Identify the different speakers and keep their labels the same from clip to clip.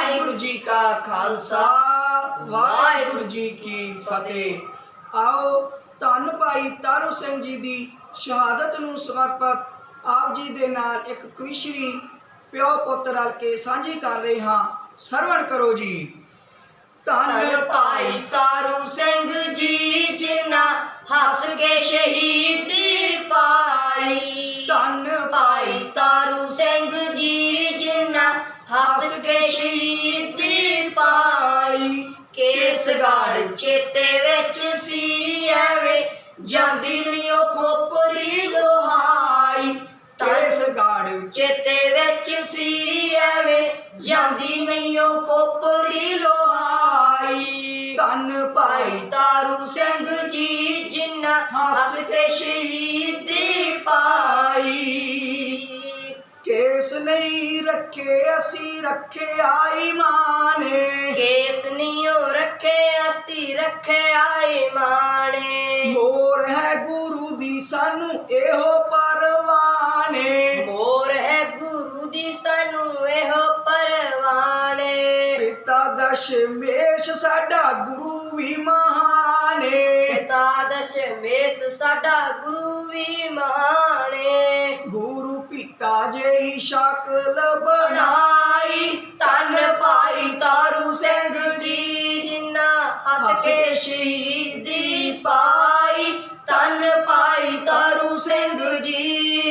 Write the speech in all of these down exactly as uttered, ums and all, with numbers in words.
Speaker 1: वाहिगुरु जी का खालसा वाहिगुरु जी की फतेह। आओ धन भाई तारू सिंह जी की शहादत नूं समर्पित आप जी दे नाल एक कविशरी प्यो पुत रल के साझी कर रहे हाँ। सरवण करो जी। धन भाई तारू सिंह जी जिन्ना हस के शहीदी पाई। धन भाई तारू सिंह जी जिन्ना हस के शहीदी पाई। केसगढ़ चेते विच सी एवें जांदी नहीं ओ खोपरी लोहाई। केसगढ़ चेते विच सी एवें जांदी नहीं ओ खोपरी लोहाई। धन भाई तारू सिंह जी जिन्ना हस के शहीदी पाई। केस नहीं रखे असी रखे आई माने। केस नहीं रखे असी रखे आई माने। मोर है गुरु दी सानू एहो परवाने। मोर है गुरु दी सानू एहो परवाने। पिता दशमेश साडा गुरु भी महाने। पिता दशमेश साडा गुरु भी महाने। गुरु पिता जेही शकल बनाई। धन भाई तारू सिंह जी जिन्ना हस के शहीदी पाई। धन भाई तारू सिंह जी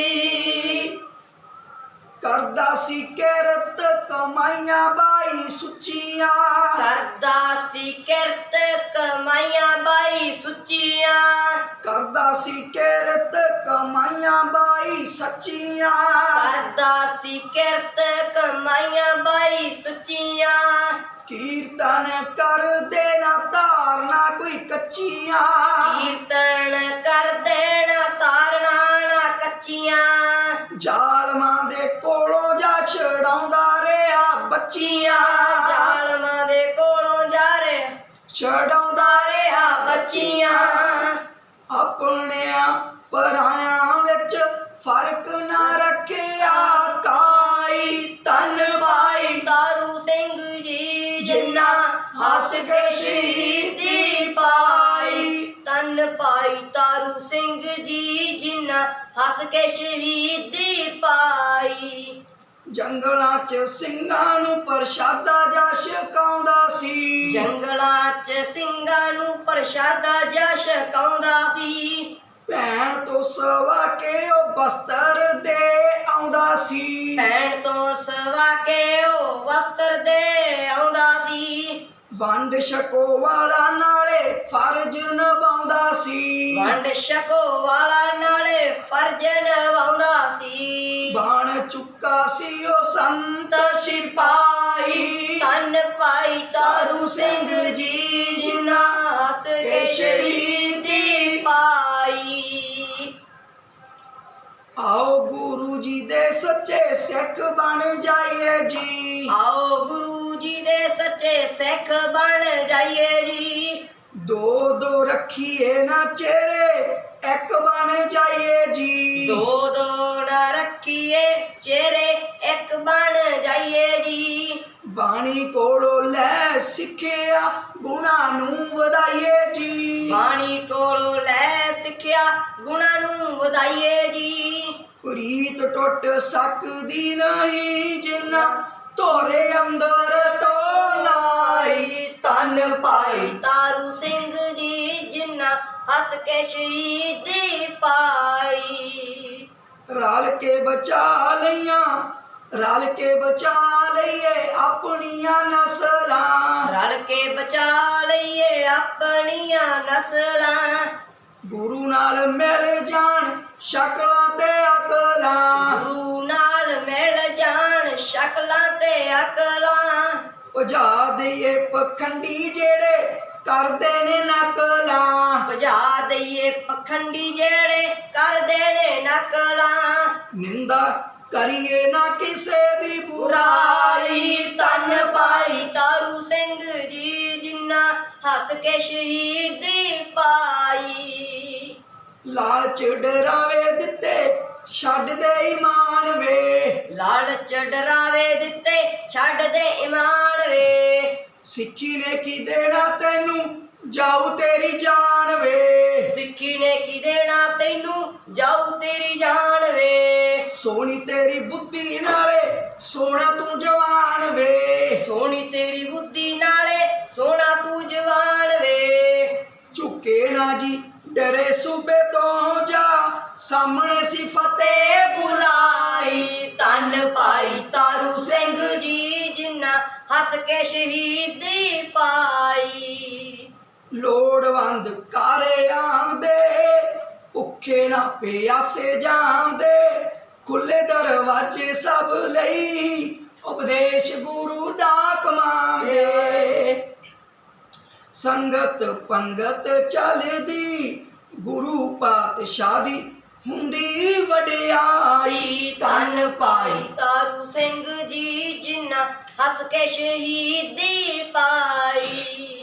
Speaker 1: करदा सी किरत कमाइयां बाई सुचियां। करदा सी किरत कमाइयां बाई सुचियां। करदा सी किरत कमाइयां बाई सच्चियां। करदा सी किरत कमाइयां बाई सच्चियां। कीर्तन कर देना तारना कोई कच्चियां। कीर्तन कर देना तारना ना कच्चियां। जालमां दे कोलों जा छड़ाउंदा रेहा बच्चियां। जालमां दे कोलों जा रे छड़ाउंदा रेहा बच्चियां। अपनियां परायां विच फर्क ना रखिया काई। धन भाई तारू सिंह जी जिन्ना हस के शहीदी पाई। धन भाई तारू सिंह जी जिन्ना हस के शहीदी पाई। जंगलां च ਸਿੰਘਾਂ ਨੂੰ ਪ੍ਰਸ਼ਾਦਾ ਜਾ ਛਕਾਉਂਦਾ ਸੀ। ਜੰਗਲਾਂ ਚ ਸਿੰਘਾਂ ਨੂੰ ਪ੍ਰਸ਼ਾਦਾ ਜਾ ਛਕਾਉਂਦਾ ਸੀ। ਭੈਣ ਤੋਂ ਸਵਾ ਕੇ ਉਹ ਬਸਤਰ ਦੇ ਆਉਂਦਾ ਸੀ। ਭੈਣ ਤੋਂ ਸਵਾ ਕੇ ਉਹ ਵਸਤਰ ਦੇ ਆਉਂਦਾ ਸੀ। ਵੰਡ ਛਕੋ ਵਾਲਾ ਨਾਲੇ ਫਰਜ਼ ਨਿਭਾਉਂਦਾ ਸੀ। ਵੰਡ ਛਕੋ ਵਾਲਾ ਨਾਲੇ ਫਰਜ਼ ਨਿਭਾਉਂਦਾ ਸੀ। ਬਣ ਚੁੱਕਾ ਸੀ ਉਹ ਸੰਤ ਸਿਪਾਹੀ। ਧਨ ਭਾਈ ਤਾਰੂ ਸਿੰਘ ਜੀ ਜਿਨ੍ਹਾਂ ਹੱਸ ਕੇ ਸ਼ਹੀਦੀ ਪਾਈ। आओ गुरु जी दे सच्चे सिख बन जाइए जी। आओ गुरु जी दे सच्चे सिख बन जाइए जी। दो दो रखिए ना चेहरे एक बन जाइए जी। दो दो ना रखिए चेहरे एक बन जाइए जी। बाणी कोलों लै सिखिया गुणा नूं वधाइए जी। बाणी कोलों लै सिखिया गुणा नूं वधाइए जी। प्रीत टुट सकदी नहीं जिन्ना तोरे अंदर तो लाई। धन भाई तारू सिंह जी जिन्ना हस के शहीदी पाई। रल के बचा लिया रल के बचा लईए अपनियां नस्लां। रल के बचा लईए अपनियां नस्लां। गुरु नाल मिल जान शकलां ते अकलां। गुरु नाल मिल जान शकलां ते अकलां। भजा दईए पखंडी जेड़े करदे ने नकलां। भजा दईए पखंडी जेड़े करदे ने नकलां। निंदा करिए ना किसे दी बुराई। धन भाई तारू सिंह जी जिन्ना हस के शहीदी पाई। लालच डरावे दिते छड्ड दे ईमान वे। लालच डरावे दिते छड्ड दे ईमान वे। ਸਿੱਖੀ ਨੇ ਕੀ ਦੇਣਾ ਤੈਨੂੰ ਜਾਊ ਤੇਰੀ ਜਾਨ ਵੇ।
Speaker 2: ਸਿੱਖੀ ਨੇ ਕੀ ਦੇਣਾ ਤੈਨੂੰ ਜਾਊ ਤੇਰੀ ਜਾਨ ਵੇ।
Speaker 1: ਸੋਹਣੀ ਤੇਰੀ ਬੁੱਧੀ ਨਾਲੇ ਸੋਹਣਾ ਤੂੰ ਜਵਾਨ ਵੇ।
Speaker 2: ਸੋਹਣੀ ਤੇਰੀ ਬੁੱਧੀ ਨਾਲੇ ਸੋਹਣਾ ਤੂੰ ਜਵਾਨ ਵੇ।
Speaker 1: ਝੁਕੇ ਨਾ ਜੀ ਡਰੇ ਸੂਬੇ ਤੋਂ ਜਾ ਸਾਹਮਣੇ ਸੀ ਫਤਿਹ ਬੁਲਾਈ।
Speaker 2: ਧੰਨ ਭਾਈ ਤਾਰੂ ਸਿੰਘ ਜੀ ਜਿਨ੍ਹਾਂ ਹੱਸ ਕੇ ਸ਼ਹੀਦੀ ਪਾਈ।
Speaker 1: ਲੋੜਵੰਦ ਕਾਰੇ ਆਉਂਦੇ ਭੁੱਖੇ ਨਾ ਪਿਆਸੇ ਜਾਂਦੇ ਖੁੱਲੇ ਦਰਵਾਜ਼ੇ ਸਭ ਲਈ ਉਪਦੇਸ਼ ਗੁਰੂ ਦਾ ਕਮਾਉਂਦੇ। ਸੰਗਤ ਪੰਗਤ ਚੱਲਦੀ ਗੁਰੂ ਪਾਤਸ਼ਾਹ ਦੀ ਹੁੰਦੀ ਵਡਿਆਈ।
Speaker 2: ਧੰਨ ਭਾਈ ਤਾਰੂ ਸਿੰਘ ਜੀ ਜਿਨ੍ਹਾਂ ਹੱਸ ਕੇ ਸ਼ਹੀਦੀ ਪਾਈ।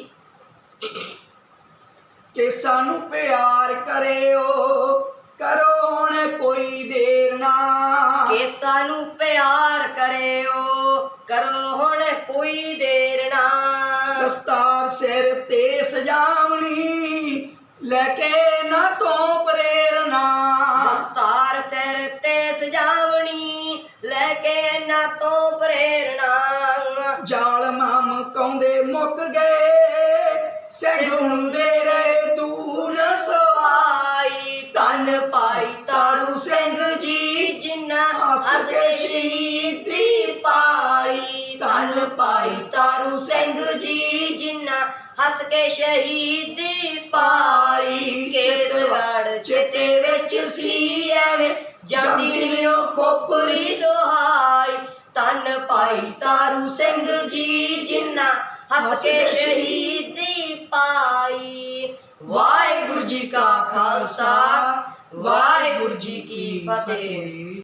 Speaker 1: ਕਿ ਸਾਨੂੰ ਪਿਆਰ ਕਰਿਓ ਕਰੋ ਹੁਣ ਕੋਈ ਦੇਰ ਨਾ।
Speaker 2: ਕਿ ਸਾਨੂੰ ਪਿਆਰ ਕਰਿਓ ਕਰੋ ਹੁਣ ਕੋਈ ਦੇਰ ਨਾ।
Speaker 1: ਦਸਤਾਰ ਸਿਰ ਤੇ ਸਜਾਵਣੀ ਲੈ ਕੇ ਨਾ ਤੋਂ ਪ੍ਰੇਰਨਾ।
Speaker 2: ਦਸਤਾਰ ਸਿਰ ਤੇ ਸਜਾਵਣੀ ਲੈ ਕੇ ਨਾ ਤੋਂ ਪ੍ਰੇਰਨਾ।
Speaker 1: ਜ਼ਾਲਮਾਂ ਮਕਾਉਂਦੇ ਮੁੱਕ ਗਏ ਸਿੰਘ ਹੁੰਦੇ ਰਹੇ ਦੂਰ ਸਵਾਈ।
Speaker 2: ਧੰਨ ਭਾਈ
Speaker 1: ਤਾਰੂ ਸਿੰਘ ਜੀ
Speaker 2: ਜਿਨ੍ਹਾਂ
Speaker 1: ਹੱਸ ਕੇ ਸ਼ਹੀਦੀ ਪਾਈ।
Speaker 2: ਧੰਨ ਭਾਈ ਤਾਰੂ ਸਿੰਘ ਜੀ ਜਿਨ੍ਹਾਂ ਹੱਸ ਕੇ ਸ਼ਹੀਦੀ ਪਾਈ। ਕੇਸਗੜ੍ਹ ਚੇਤੇ ਵਿੱਚ ਸੀ ਐਵੇਂ ਜਾਂਦੀ ਨੀ ਉਹ ਖੋਪਰੀ ਲੋਹਾਈ। ਧੰਨ ਭਾਈ ਤਾਰੂ ਸਿੰਘ ਜੀ ਜਿਨ੍ਹਾਂ ਹੱਸ ਕੇ ਸ਼ਹੀਦੀ ਪਾਈ। ਵਾਹਿਗੁਰੂ ਜੀ ਕਾ ਖਾਲਸਾ ਵਾਹਿਗੁਰੂ ਜੀ ਕੀ ਫਤਿਹ।